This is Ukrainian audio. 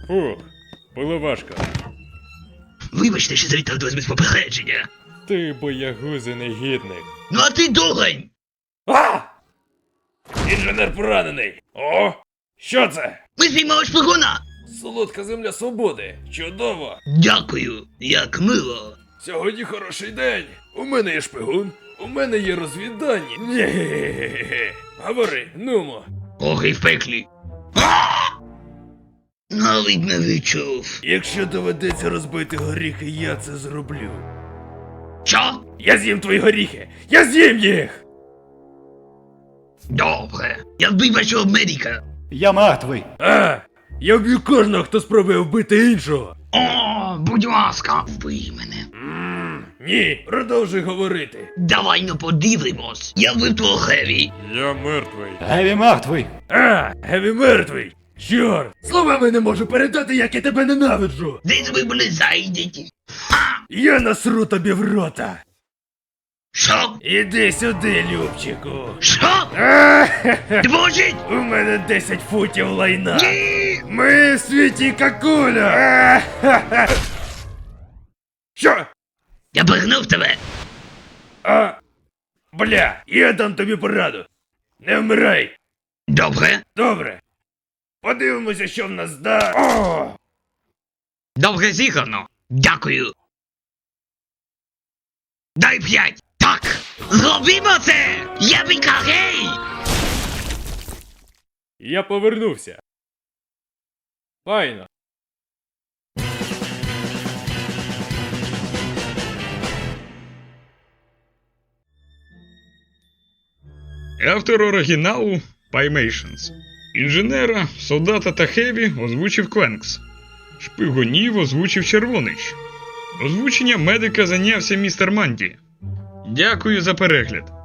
Фух, було важко. Вибачте, що завітав до вас без попередження. Ти боягузи негідник. Ну а ти догань! А! Інженер поранений! О! Що це? Ми спіймали шпигуна! Солодка земля свободи. Чудово! Дякую, як мило. Сьогодні хороший день. У мене є шпигун, у мене є розвіддані. Ні-ге-ге-ге-ге. Говори, нумо. Ох, і в пеклі. Навіть не відчув. Якщо доведеться розбити горіхи, я це зроблю. Що? Я з'їм твої горіхи! Я з'їм їх! Добре. Я вбив вашого медика. Я мертвий. А! Я вб'ю кожного, хто спробує вбити іншого! О, будь ласка, вбий мене. Ні, продовжуй говорити. Давай ну подивимось. Я вбив твого Хеві. Я мертвий. Геві мертвий. А, Геві мертвий! Чорт! Словами не можу передати, як я тебе ненавиджу! Десь ви були зайдені. Я насру тобі в рота! Що? Іди сюди, Любчику! Що? А, Двожить? у мене 10 футів лайна! Ні! Ми в світі какуля! А, що? Я пихнув тебе. А, бля, я дам тобі пораду. Не вмирай. Добре. Добре. Подивимося, що в нас да. О! Добре зіграно. Дякую. Дай 5. Так. Зробімо це. Я бікарей. Я повернувся. Файно. Автор оригіналу Pymations. Інженера, солдата та Хеві озвучив Квенкс. Шпигунів озвучив Червонич. Озвучення медика зайнявся містер Манді. Дякую за перегляд.